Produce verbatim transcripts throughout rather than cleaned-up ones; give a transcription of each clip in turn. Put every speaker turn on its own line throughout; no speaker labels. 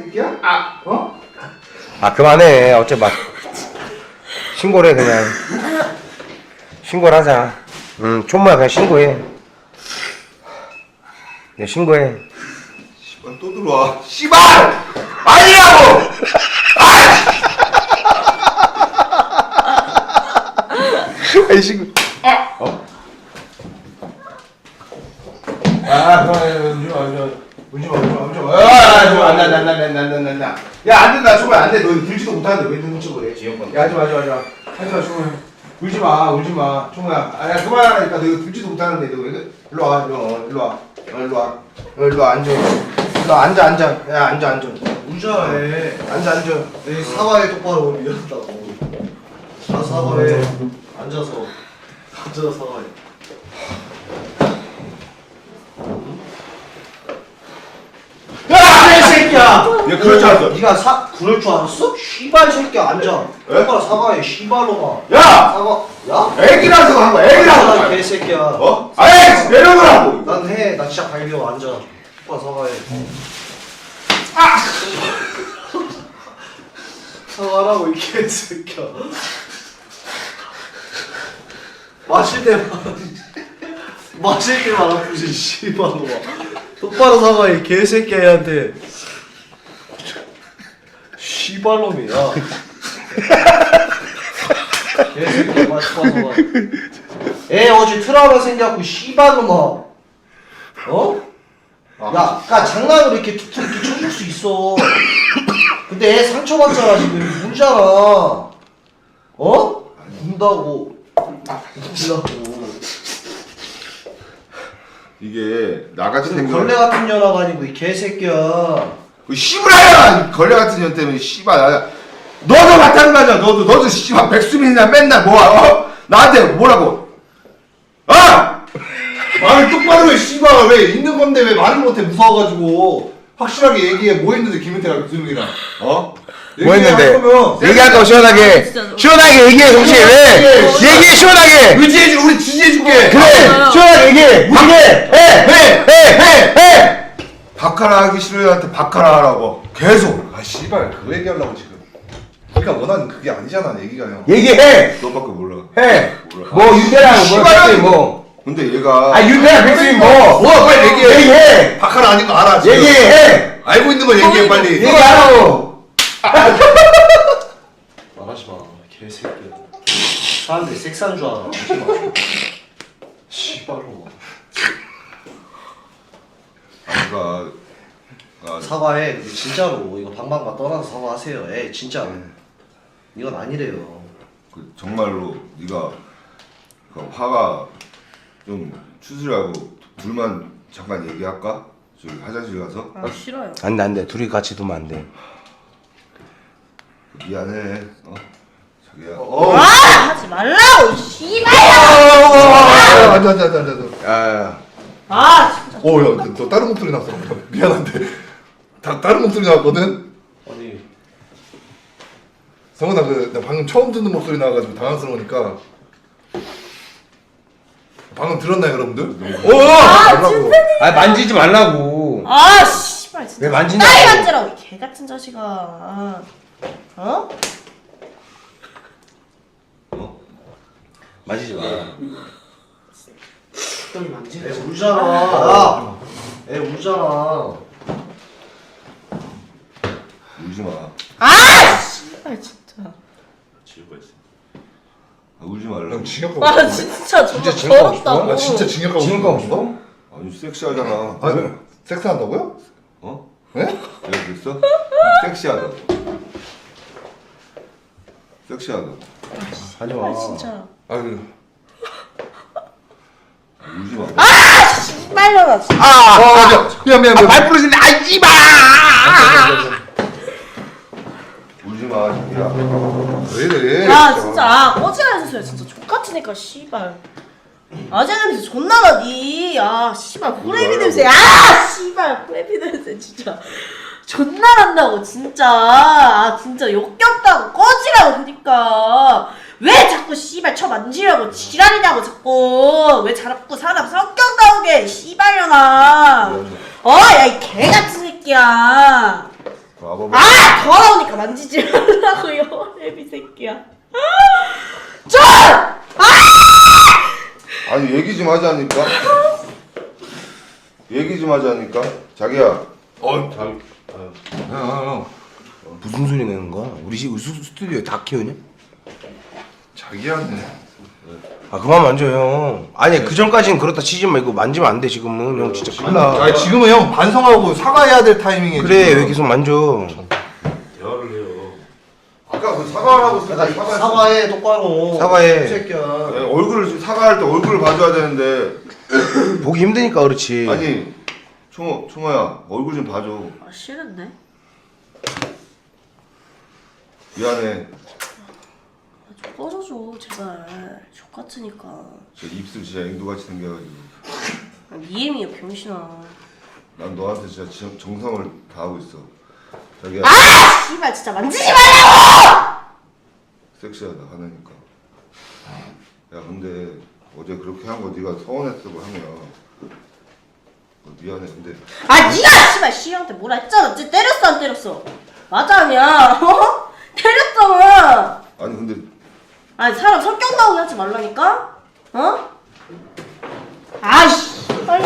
새끼야? 아, 어?
아 그만해. 어째 막 신고를 해 그냥. 신고를 하자. 응, 촌모야 그냥 신고해. 그냥 신고해.
씨발 또 들어와. 씨발! 아니라고!
아이 신고.
아! 어. 아, 울지 마, 울지 마, 울지 마, 울지 마. 아, 좀 안 돼, 안 돼, 안 돼, 안 돼, 안 돼, 안 돼. 야, 안 된다, 정말 안 돼. 너 울지도 못하는데 왜 눈치 보래? 야, 하지 마, 하지 마, 하지 마. 하지 마, 정말. 울지 마, 울지 마, 총무야. 아, 야, 그만하라니까. 너 울지도 못하는데 너 왜? 그래? 일로 와, 일로 와, 일로 와, 어, 일로 와, 어, 일로 와, 앉아. 일로 와, 앉아, 앉아. 야, 앉아, 앉아.
우자해.
앉아, 앉아.
내 사과해 똑바로 미안하다고. 다 사과해. 앉아서. 앉아서 사과해. 야, 이 새끼야!
야, 그럴 줄 알았어.
네가 사 그럴 줄 알았어? 씨발 새끼야 앉아. 똑바로 사과해. 씨발로마.
야!
사과. 야?
애기라서 한 거야, 애기라서.
아, 개새끼야.
어? 아이, 내려놓으라고.
난 해. 나 진짜 갈겨. 앉아. 똑바로 사과해.
아!
사과하라고 이 개새끼야. 마실 때만 마실 때만 아프지 씨발로마. 똑바로 사과해 개새끼야 얘한테. 씨발놈이야. 개새끼야 마시 사과. 애 어제 트라우마 생겨갖고 씨발놈아. 어? 야, 그니까 장난으로 이렇게 툭툭 이렇게 쳐줄 수 있어. 근데 애 상처받잖아 지금. 울잖아. 어? 운다고. 운다고.
이게 나같이
근데
생긴
걸레 같은 년아가 아니고 이 개새끼야.
그 씨부라야! 걸레 같은 년 때문에 씨발 나 너도 마찬가지야. 너도 너도 씨발 백수민이나 맨날 뭐야? 어? 나한테 뭐라고? 어? 말을 똑바로 해 씨발. 왜 있는 건데 왜 말을 못해? 무서워가지고. 확실하게 얘기해. 뭐 했는데 김은태랑 유승이랑 어?
뭐 했는데?
얘기할 거면
얘기할 거 시원하게.
진짜.
시원하게 얘기해 동시에 왜? 얘기해 시원하게.
의지해주 우리 지지해줄게.
그래.
맞아요.
시원하게 얘기해. 무지개. 해.
해!
해. 해. 해.
박하라 하기 싫어요한테 박하라 하라고 계속. 아 씨발 그 얘기하려고 지금. 우리가 원하는 그게 아니잖아 얘기가 형.
얘기해.
너밖에 몰라.
해.
몰라.
뭐 윤태랑 뭐
씨발이야,
백수인
이거.
뭐.
근데 얘가
아 윤태랑 백수인 뭐.
뭐 빨리 얘기해.
얘기해.
박하라 아닌 거 알아 지금.
얘기해.
알고 있는 거 얘기해 빨리.
얘기하라고.
말하지 마. 개새끼야. 사람들이 섹스한 줄 알아. 하지 마. 씨발로.
아까 아,
사과해. 근데 진짜로 이거 방방만 떠나서 사과하세요. 에 진짜. 이건 아니래요.
그 정말로 네가 그 화가 좀 추스리하고 둘만 잠깐 얘기할까? 저기 화장실 가서.
아 싫어요.
안돼 안돼. 둘이 같이 두면 안 돼.
미안해. 어? 자기야.
어.
아 하지 말라고 씨발.
앉아 앉아 앉아 앉아.
아.
아 진짜.
오, 야, 너, 너 다른 목소리 났어. 미안한데. 다 다른 목소리 나왔거든.
아니.
성훈아, 그, 나 방금 처음 듣는 목소리 나와가지고 당황스러우니까. 방금 들었나요, 여러분들? 오! 말라고.
아 만지지 말라고.
아 씨발 진짜.
왜 만지냐고.
딸 만지라고 이 개 같은 자식아. 어?
어?
만지지 마.
애 울잖아. 애 울잖아.
울지 마.
아 씨발 진짜.
지우가 있어.
아, 울지 말라고.
징역
아 진짜
진짜
정말
징역 가고 싶어?
더럽다고.
아, 진짜 징역 가고
지금 가고 싶어?
아니, 섹시하잖아.
아,
섹스한다고요? 어? 네? 내가 그랬어? 섹시하다고. 섹시하다고.
하지
아
마.
진짜.
아유. 울지 마.
씨발려나 진짜.
아.
아, 미안, 미안, 미안.
발 부러진다. 아이지 마.
울지 마, 자기야. 왜 이래?
아 진짜 꺼지라 해주세요. 진짜 족같으니까 씨발. 아재 냄새 존나 나니. 아 씨발 호레비 냄새. 아 씨발 호레비 냄새 진짜 존나 난다고 진짜. 아 진짜 역겹다고 꺼지라고. 그니까 왜 자꾸 씨발 쳐 만지려고 지랄이냐고 자꾸. 왜 자꾸 사람 성격 나오게 씨발려나. 어야 이 개 같은 새끼야.
와봐봐.
아 더러우니까 만지지 말라고요 애비 새끼야. 좀!
아니 얘기 좀 하자니까. 얘기 좀 하자니까. 자기야.
어, 참. 형, 형, 형. 무슨 소리 내는 거야? 우리 집 스- 스튜디오에 다 키우냐?
자기한테.
아 그만 만져 형. 아니 그 전까지는 그렇다 치지 말고 만지면 안 돼 지금은. 형 진짜 큰일 나.
아니 지금은 형 반성하고 사과해야 될 타이밍에
그래
지금.
왜 계속 만져?
대화를 해요. 아까 그 사과하라고
나
사과.
사과해 똑바로.
사과해.
이 새끼야.
네, 얼굴을 사과할 때 얼굴을 봐줘야 되는데.
보기 힘드니까 그렇지.
아니 총호 총호야 얼굴 좀 봐줘.
아 싫은데?
미안해.
아, 좀 꺼져줘 제발. 족같으니까.
저 입술 진짜 앵두같이 생겨가지고.
아, 니엠이야 병신아.
난 너한테 진짜 정- 정성을 다하고 있어. 자기야
아 씨발 진짜 만지지 말라고!
섹시하다 하나니까. 야 근데 어제 그렇게 한 거 네가 서운했다고 하면 어, 미안해 근데
아 니가 씨발 씨한테 뭐라 했잖아. 쟤 때렸어 안 때렸어? 맞아 아니야? 어? 때렸잖아.
아니 근데
아니 사람 성격 나오게 하지 말라니까? 어? 아이씨 빨리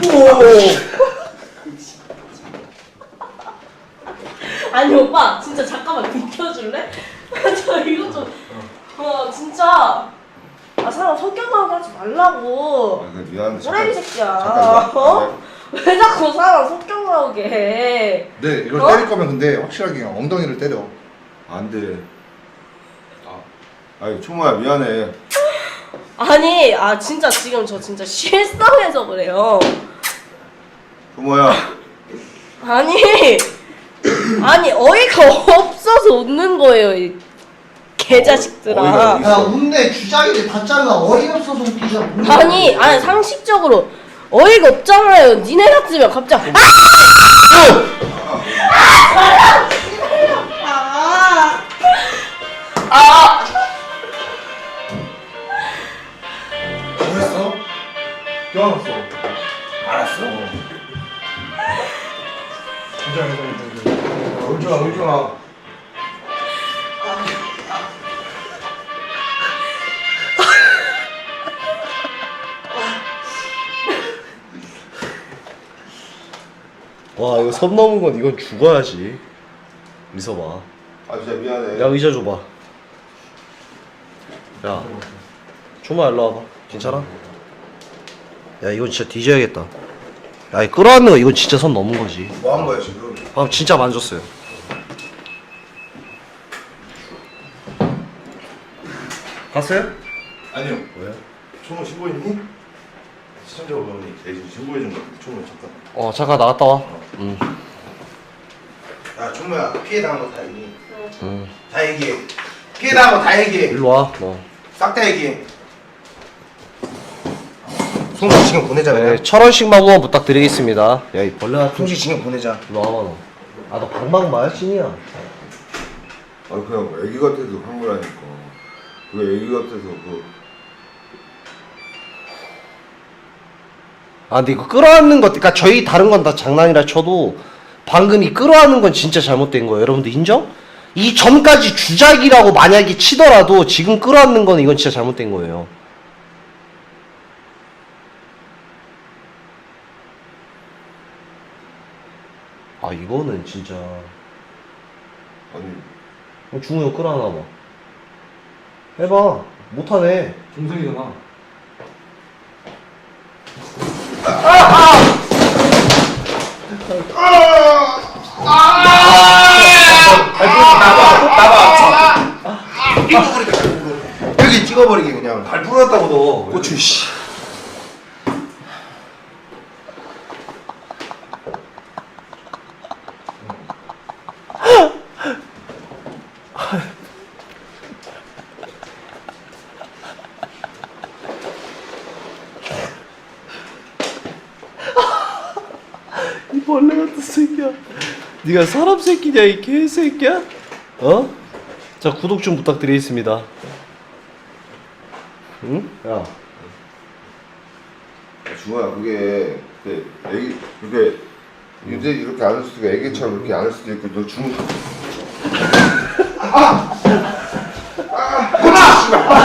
아니 오빠 진짜 잠깐만 비켜줄래? 저 이거 좀어 진짜 아 사람 성격 나오게 하지 말라고.
아, 그래, 미안해
꼬라비 새끼야.
잠깐,
어? 왜 자꾸 사람 성격 나오게 해?
네 이걸
어?
때릴 거면 근데 확실하게 그냥 엉덩이를 때려.
안돼. 아니 총호야 미안해.
아니 아 진짜 지금 저 진짜 실성해서 그래요.
총호야
아니 아니 어이가 없어서 웃는 거예요 이 개자식들아.
어이가
야 웃네 주작이네 다 잘라 어이없어서 웃기지 않아.
아니 아니 상식적으로 어이가 없잖아요. 니네 같으면 갑자기 아! 아! 아!
뭐 했어? 껴안았어.
알았어.
긴장해서 이제.
울지 마, 울지 마.
와 이거 선 넘은 건 이건 죽어야지. 미서봐.
아 진짜 미안해.
야 의자 줘봐. 야 조마 일로 와봐. 괜찮아? 야 이건 진짜 뒤져야겠다. 야 이거 끌어안는 거 이건 진짜 선 넘은 거지.
뭐 한 거야 지금?
방금 진짜 만졌어요. 갔어요?
아니요.
왜?
총호 신고했니? 시청자분이 대신 신고해준 거 같아. 총호 잠깐.
어 잠깐 나갔다 와. 응.
야 총무야 피해 당한 거 다 얘기해.
응.
다 얘기해. 피해 당한 거 다 얘기해.
일로 와. 너.
싹 다 얘기해. 송씨 지금 보내자 그냥.
네, 천 원씩만 후원 부탁드리겠습니다. 야 이 벌레 같은.
송씨 지금 보내자.
일로 와봐 너. 아 너 방방 마야신이야.
아니 그냥 애기 같아서 한 거라니까. 그게 애기 같아서 그.
아 근데 이거 끌어안는 것, 그러니까 저희 다른 건 다 장난이라 쳐도 방금 이 끌어안는 건 진짜 잘못된 거예요. 여러분들 인정? 이 전까지 주작이라고 만약에 치더라도 지금 끌어안는 건 이건 진짜 잘못된 거예요. 아 이거는 진짜.
아니
중우 형 끌어안아 봐. 해봐. 못하네.
동생이잖아.
여기 찍어버리게 그냥.
발 부러졌다고 너.
고추 씨.
이 벌레 같은 새끼야. 네가 사람 새끼냐 이 개새끼야? 어? 자 구독 좀 부탁드리겠습니다. 응? 야.
중호야 그게 그 애기 그게
유대 이렇게 안 할 수도 있고 애기처럼 이렇게 안 할 수도 있고 너 중.
꼬마!